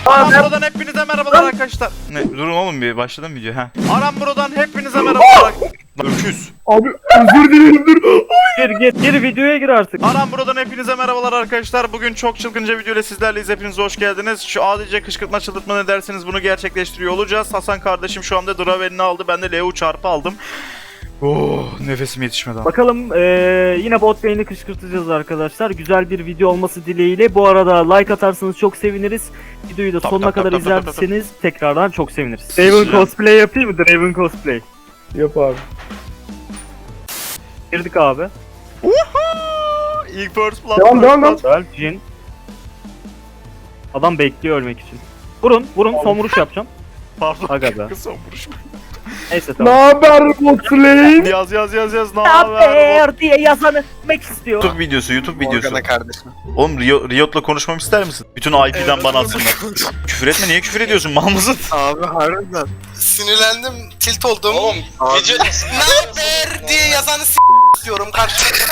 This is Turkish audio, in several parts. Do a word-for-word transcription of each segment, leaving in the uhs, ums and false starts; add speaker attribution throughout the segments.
Speaker 1: Aram Bro'dan hepinize merhabalar arkadaşlar. Ne? Durun oğlum bir başladım video ha. Aram Bro'dan hepinize merhabalar. Öküz.
Speaker 2: Abi özür dilerim dur.
Speaker 3: Gir gir gir videoya gir artık.
Speaker 1: Aram Bro'dan hepinize merhabalar arkadaşlar. Bugün çok çılgınca video ile sizlerleyiz. Hepiniz hoş geldiniz. Şu adice kışkırtma çıldırtma ne derseniz bunu gerçekleştiriyor olacağız. Hasan kardeşim şu anda Draven'ini aldı. Ben de Leo çarpı aldım. Oh, nefesim yetişmedi.
Speaker 3: Bakalım ee, yine bot lane'i kışkırtacağız arkadaşlar. Güzel bir video olması dileğiyle. Bu arada like atarsanız çok seviniriz. Videoyu da
Speaker 1: Tap,
Speaker 3: sonuna
Speaker 1: tap,
Speaker 3: kadar
Speaker 1: tap, tap, tap, tap.
Speaker 3: izlerseniz tekrardan çok seviniriz.
Speaker 1: Sıçra.
Speaker 3: Draven cosplay yapayım mı? Draven cosplay.
Speaker 2: Yap abi.
Speaker 3: Girdik abi.
Speaker 1: İlk first blood.
Speaker 2: Devam, devam, devam.
Speaker 3: Güzel. Jin. Adam bekliyor ölmek için. Vurun vurun son vuruş yapacağım.
Speaker 1: Pardon.
Speaker 3: Aga be.
Speaker 1: Son vuruş.
Speaker 3: Neyse
Speaker 2: Ne
Speaker 3: tamam.
Speaker 2: haber bot lane?
Speaker 1: Yaz yaz yaz yaz. Ne
Speaker 3: Ne
Speaker 1: haber?
Speaker 3: haber diye yazanı mek istiyor.
Speaker 1: YouTube videosu, YouTube videosu.
Speaker 4: Morgana kardeşim.
Speaker 1: Oğlum Rio, Riot'la konuşmamı ister misin? Bütün I P'den bana atsınlar. Küfür etme, niye küfür ediyorsun? Mal mısın?
Speaker 4: Abi harbiden. Sinirlendim, tilt oldum.
Speaker 5: Oğlum video
Speaker 4: Ne haber diye yazanı s*** istiyorum karşımda.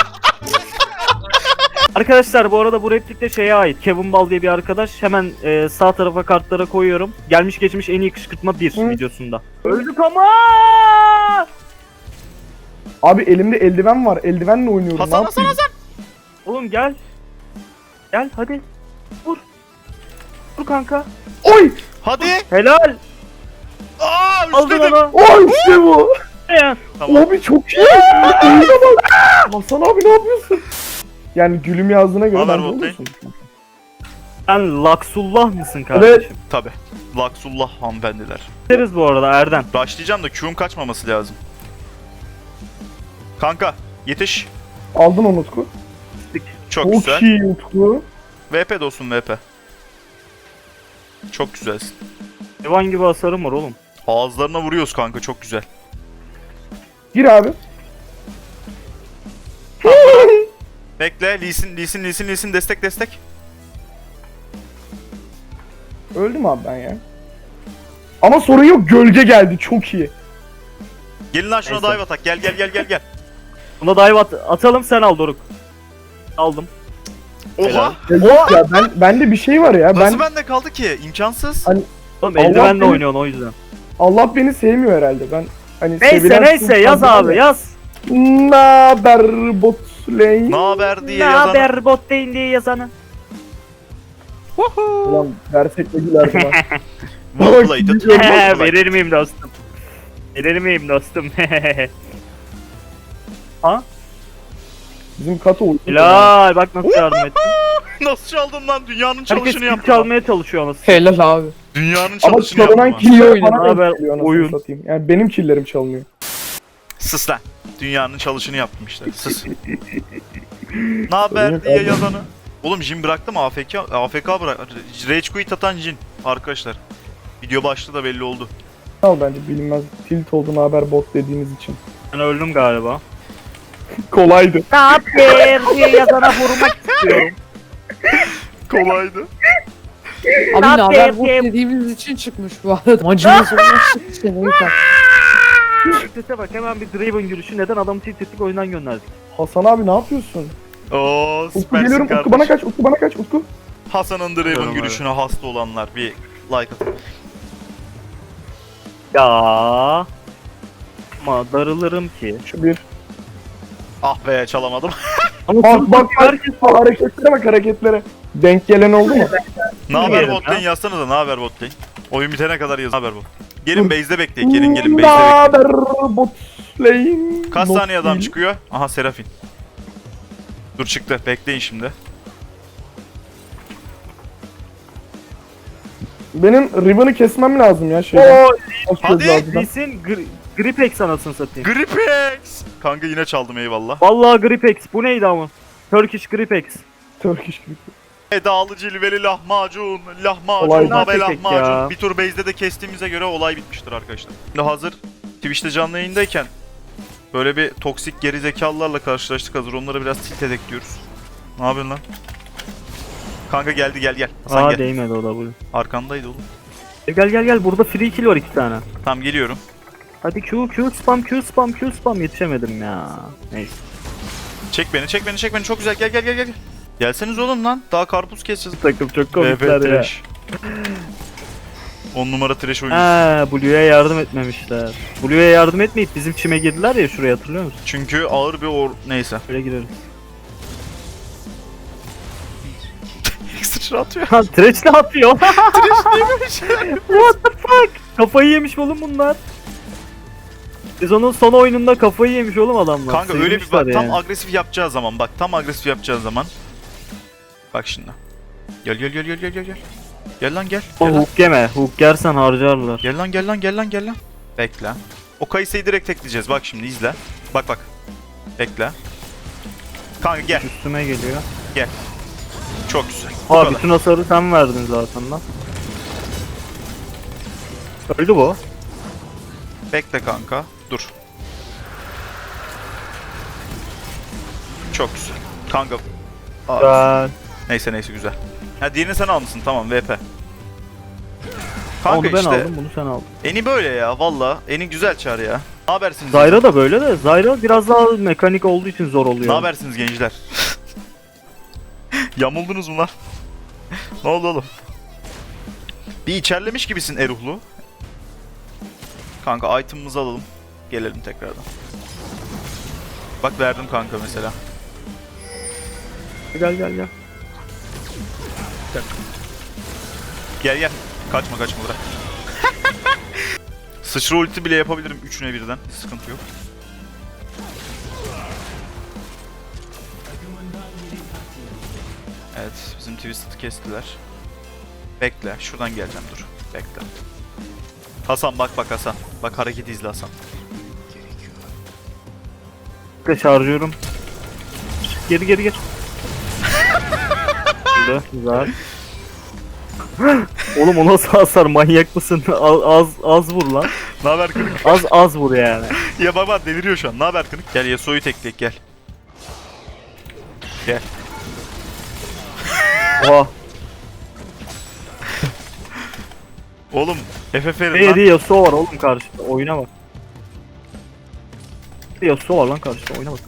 Speaker 3: Arkadaşlar bu arada bu replik de şeye ait. Kevin Ball diye bir arkadaş. Hemen e, sağ tarafa kartlara koyuyorum. Gelmiş geçmiş en iyi kışkırtma bir
Speaker 2: Hı.
Speaker 3: videosunda. Öldük ama.
Speaker 2: Abi elimde eldiven var. Eldivenle oynuyorum.
Speaker 1: Hasan
Speaker 2: ne
Speaker 1: Hasan
Speaker 2: yapayım?
Speaker 1: Hasan.
Speaker 3: Oğlum gel. Gel hadi. Vur. Vur kanka.
Speaker 2: Oy!
Speaker 1: Hadi.
Speaker 3: Helal.
Speaker 1: Aa,
Speaker 3: Aldın
Speaker 1: üstledim.
Speaker 3: onu.
Speaker 2: Oy işte bu.
Speaker 3: Ya.
Speaker 1: Tamam.
Speaker 2: Abi çok iyi. Oyuna bak. Hasan abi ne yapıyorsun? Yani gülüm yazdığına göre
Speaker 1: Haber
Speaker 2: ben de
Speaker 1: bot lane.
Speaker 2: olursun.
Speaker 3: Sen Laksullah mısın kardeşim?
Speaker 1: Tabi. Laksullah hanımefendiler.
Speaker 3: Deriz bu arada Erden.
Speaker 1: Başlayacağım da Q'um kaçmaması lazım. Kanka yetiş.
Speaker 2: Aldın onu Utku.
Speaker 1: Çok,
Speaker 2: Çok
Speaker 1: güzel.
Speaker 2: iyi Utku.
Speaker 1: V P dostum V P. Çok güzelsin.
Speaker 3: Hayvan gibi hasarım var oğlum.
Speaker 1: Ağızlarına vuruyoruz kanka, çok güzel.
Speaker 2: Gir abi.
Speaker 1: Bekle, Lee'sin, Lee'sin, Lee'sin, Lee'sin, destek, destek.
Speaker 2: Öldüm abi ben ya. Ama sorun yok, gölge geldi, çok iyi.
Speaker 1: Gelin lan şuna
Speaker 3: Neyse.
Speaker 1: dive atak, gel gel gel gel gel.
Speaker 3: Buna dive at atalım sen al Doruk. Aldım.
Speaker 1: Oha!
Speaker 2: Ya, ya ben bende bir şey var ya.
Speaker 1: Nasıl
Speaker 2: Ben
Speaker 1: bende kaldı ki? İmkansız.
Speaker 2: Hani-
Speaker 3: Oğlum
Speaker 2: Allah
Speaker 3: eldivenle
Speaker 2: beni-
Speaker 3: oynuyorsun o yüzden.
Speaker 2: Allah beni sevmiyor herhalde. Ben hani
Speaker 3: Neyse
Speaker 2: sevilen
Speaker 3: neyse
Speaker 2: kız
Speaker 3: yaz
Speaker 2: kadın
Speaker 3: abi
Speaker 2: var.
Speaker 3: yaz.
Speaker 2: Naber bot lane?
Speaker 1: Ne haber diye
Speaker 3: Ne
Speaker 1: yazan.
Speaker 3: haber bot lane diye yazanı.
Speaker 2: Ulan versek de gülerdim ha.
Speaker 1: Well played. Well played.
Speaker 3: Verir miyim dostum? Verir miyim dostum? Ha?
Speaker 2: Bizim Kato uyuyor.
Speaker 3: Helal bak nasıl yardım ettim.
Speaker 1: Nasıl çaldın lan? Dünyanın
Speaker 3: Herkes
Speaker 1: çalışını
Speaker 3: kill
Speaker 1: yaptın.
Speaker 3: çalmaya çalışıyor anasını.
Speaker 2: Helal abi.
Speaker 1: Dünyanın
Speaker 2: Ama
Speaker 1: çalışını yaptın.
Speaker 2: çalınan
Speaker 1: lan.
Speaker 2: killer
Speaker 3: oyunu,
Speaker 2: bana
Speaker 3: haber,
Speaker 2: denk geliyor anasını
Speaker 3: oyun.
Speaker 2: satayım. Yani benim killerim çalınıyor.
Speaker 1: Sus lan. Dünyanın çalışını yaptım işte. Sus. Ne haber diye yazanı. Oğlum Jin bıraktı mı? A F K, A F K bırak. Rage quit atan Jin. Arkadaşlar. Video başlığı da belli oldu.
Speaker 2: Al bence bilinmez. Tilt olduğunu haber bot dediğiniz için.
Speaker 3: Ben öldüm galiba.
Speaker 2: Kolaydı.
Speaker 3: Ne haber diye yazana vurmak istiyorum.
Speaker 1: Kolaydı.
Speaker 6: Abi ne haber
Speaker 3: Haber
Speaker 6: bot
Speaker 3: diye-
Speaker 6: dediğimiz için çıkmış bu arada. Macunun sonuna çıktı işte neyse.
Speaker 3: Sese bak hemen bir Draven yürüyüşü neden adamı tilt ettik oyundan gönderdik.
Speaker 2: Hasan abi ne yapıyorsun?
Speaker 1: Oo
Speaker 2: Utku
Speaker 1: süpersin
Speaker 2: geliyorum.
Speaker 1: kardeşim.
Speaker 2: Utku bana kaç. Utku bana kaç. Utku.
Speaker 1: Hasan'ın Draven
Speaker 3: Tamam,
Speaker 1: gülüşüne hasta olanlar bir like atın.
Speaker 3: Ya ama darılırım ki.
Speaker 2: Şu bir.
Speaker 1: Ah be çalamadım.
Speaker 3: Ama
Speaker 2: Bak
Speaker 3: sırf
Speaker 2: bak bak.
Speaker 3: herkes
Speaker 2: Hareketlere bak hareketlere. Denk gelen oldu mu?
Speaker 1: Ne haber
Speaker 3: Bilmiyorum
Speaker 1: bot lane
Speaker 3: ya.
Speaker 1: yazsana da ne haber bot lane. Oyun bitene kadar yazın. Ne haber bot. Gelin base'de bekleyin. Gelin gelin
Speaker 2: Ne
Speaker 1: base'de bekleyin.
Speaker 2: haber bot lane?
Speaker 1: Kaç
Speaker 2: Not
Speaker 1: saniye adam
Speaker 2: değil.
Speaker 1: çıkıyor? Aha Serafin. Dur çıktı. Bekleyin şimdi.
Speaker 2: Benim ribbon'ı kesmem lazım ya şeyden.
Speaker 3: Oo,
Speaker 1: Hadi.
Speaker 3: Lee'sin gri Gripex anasını satayım.
Speaker 1: Gripex. Kanka yine çaldım eyvallah.
Speaker 3: Vallahi Gripex bu neydi ama? Turkish Gripex.
Speaker 2: Turkish gibi.
Speaker 1: Edalı cilveli lahmacun, lahmacun
Speaker 2: Olay
Speaker 1: ve
Speaker 3: tek
Speaker 1: lahmacun.
Speaker 3: ya.
Speaker 1: Bir tur base'de de kestiğimize göre olay bitmiştir arkadaşlar. Şimdi hazır Twitch'te canlı yayındayken böyle bir toksik geri zekalılarla karşılaştık, hazır onlara biraz tilt edek diyoruz. Ne yapıyorsun lan? Kanka geldi gel gel. Sen
Speaker 3: Aa
Speaker 1: gel.
Speaker 3: değmedi o da bu.
Speaker 1: Arkandaydı oğlum.
Speaker 3: E, Gel gel gel burada free kill var iki tane.
Speaker 1: Tamam geliyorum.
Speaker 3: Hadi Q Q spam Q spam Q spam yetişemedim ya. Neyse.
Speaker 1: Çek beni çek beni çek beni, çok güzel, gel gel gel gel. Gelseniz oğlum lan, daha karpuz keseceğiz.
Speaker 3: Takım çok
Speaker 1: V P
Speaker 3: komikler ya.
Speaker 1: trash. on numara trash oyuncusu.
Speaker 3: Ha, Blue'ya yardım etmemişler. Blue'ya yardım etmeyip bizim çime girdiler ya şuraya, hatırlıyor musun?
Speaker 1: Çünkü ağır bir or... Neyse.
Speaker 3: Şöyle gireriz.
Speaker 1: Sıçra atıyor.
Speaker 3: Ha, Thresh ne yapıyor? What the fuck? Kafayı yemiş oğlum bunlar. Biz onun son oyununda kafayı yemiş oğlum adamlar.
Speaker 1: Kanka öyle bir bak,
Speaker 3: Sevmişler
Speaker 1: tam
Speaker 3: yani.
Speaker 1: agresif yapacağı zaman bak, tam agresif yapacağı zaman. Bak şimdi. Gel gel gel gel gel gel gel. Gel lan gel.
Speaker 3: Ama
Speaker 1: Gel lan.
Speaker 3: hook yeme. Hook yersen harcarlar.
Speaker 1: Gel lan gel lan gel lan gel lan. Bekle. O Kayse'yi direkt tekleyeceğiz. Bak şimdi izle. Bak bak. Bekle. Kanka gel.
Speaker 3: Üstüme geliyor.
Speaker 1: Çok güzel. Bu
Speaker 3: Aa,
Speaker 1: kadar.
Speaker 3: bütün hasarı sen verdin zaten lan. Öldü bu.
Speaker 1: Bekle kanka. Dur. Çok güzel. Kanka. Aa,
Speaker 3: Güzel.
Speaker 1: neyse neyse güzel. Ha diğerini sen almışsın, tamam V P.
Speaker 3: Onu
Speaker 1: Kanka
Speaker 3: ben
Speaker 1: işte
Speaker 3: aldım, bunu sen aldın.
Speaker 1: Eni böyle ya valla. Eni güzel çağır ya. Ne habersiniz?
Speaker 3: Zyra da böyle de. Zyra biraz daha mekanik olduğu için zor oluyor.
Speaker 1: Ne habersiniz gençler? Yamuldunuz mu lan? Ne oldu oğlum? Bir içerlemiş gibisin Eruhlu. Kanka item'ımızı alalım. Gelelim tekrardan. Bak verdim kanka mesela.
Speaker 3: Gel gel gel.
Speaker 1: Gel gel. Kaçma kaçma bırak. Sıçra ulti bile yapabilirim üçüne birden. Hiç sıkıntı yok. Evet, bizim Twisted'ı kestiler. Bekle, şuradan geleceğim, dur. Bekle. Hasan bak bak Hasan. Bak hareketi izle Hasan.
Speaker 3: Bekle, şarjıyorum. Geri geri geri. Güzel, güzel. Oğlum o nasıl hasar, manyak mısın? Az az, az vur lan.
Speaker 1: Ne haber kırık?
Speaker 3: Az az vur yani.
Speaker 1: Ya baba deliriyor şu an. Ne haber kırık? Gel Yasuo'yu tekleyek gel. Gel.
Speaker 3: Oha.
Speaker 1: Oğlum F F verin
Speaker 3: Hey
Speaker 1: lan.
Speaker 3: diye Yasuo var oğlum karşıda. Oyuna bak. Bir Yasuo var lan karşıda. Oyuna bak.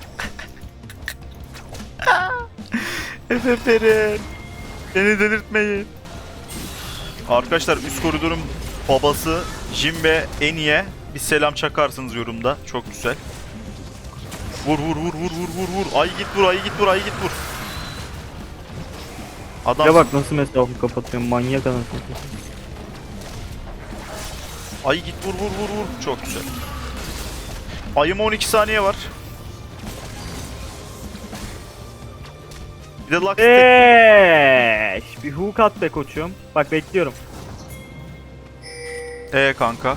Speaker 1: F F verin. Beni delirtmeyin. Arkadaşlar üst koridorun babası Jimbe Eni'ye bir selam çakarsınız yorumda. Çok güzel. Vur vur vur vur vur vur vur. Ay git vur, ay git vur, ay git vur. Adam
Speaker 3: Ya bak nasıl mesafemi kapatıyorum. Manyak anasını satayım.
Speaker 1: ay git vur vur vur vur. Çok güzel. Ayıma on iki saniye var. Bir de Lux tek-
Speaker 3: Eee, bir hook at be koçum. Bak bekliyorum.
Speaker 1: Ee kanka.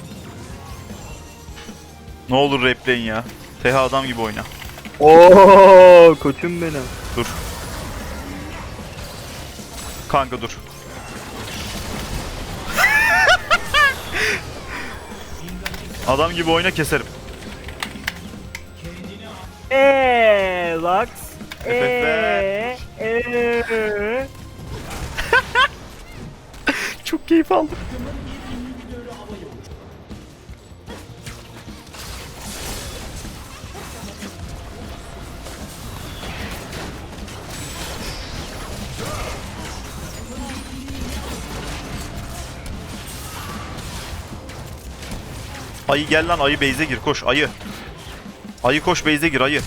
Speaker 1: Ne olur replay'in ya. T H adam gibi oyna.
Speaker 3: Oo koçum benim.
Speaker 1: Dur. Kanka dur. Adam gibi oyna keserim.
Speaker 3: Eee Lux.
Speaker 1: Eee,
Speaker 3: eee.
Speaker 1: Çok keyif aldım. Ayı gel lan, ayı base'e gir, koş ayı. Ayı koş base'e gir ayı.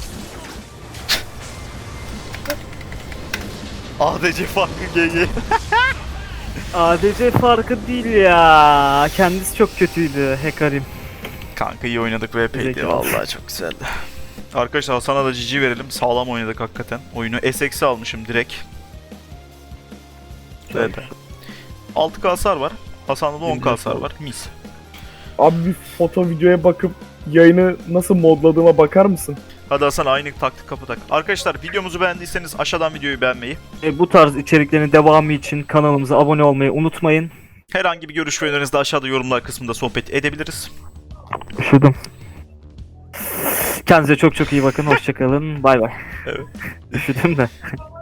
Speaker 1: A D C farkı G G.
Speaker 3: A D C farkı değil ya. Kendisi çok kötüydü Hekarim.
Speaker 1: Kanka iyi oynadık V P'ydi
Speaker 3: Zeki
Speaker 1: vallahi çok güzeldi. Arkadaşlar Hasan'a da G G verelim. Sağlam oynadık hakikaten. Oyunu S X'e almışım direkt. V P. altı K hasar var. Hasan'da da on K hasar var. Mis.
Speaker 2: Abi bir foto videoya bakıp yayını nasıl modladığıma bakar mısın?
Speaker 1: Hadi Hasan aynı taktik kapatak. Arkadaşlar videomuzu beğendiyseniz aşağıdan videoyu beğenmeyi,
Speaker 3: E, bu tarz içeriklerin devamı için kanalımıza abone olmayı unutmayın.
Speaker 1: herhangi bir görüş ve önerinizi de aşağıda yorumlar kısmında sohbet edebiliriz.
Speaker 3: Üşüdüm. Kendinize çok çok iyi bakın. Hoşçakalın. Bay bay.
Speaker 1: Evet.
Speaker 3: Üşüdüm de.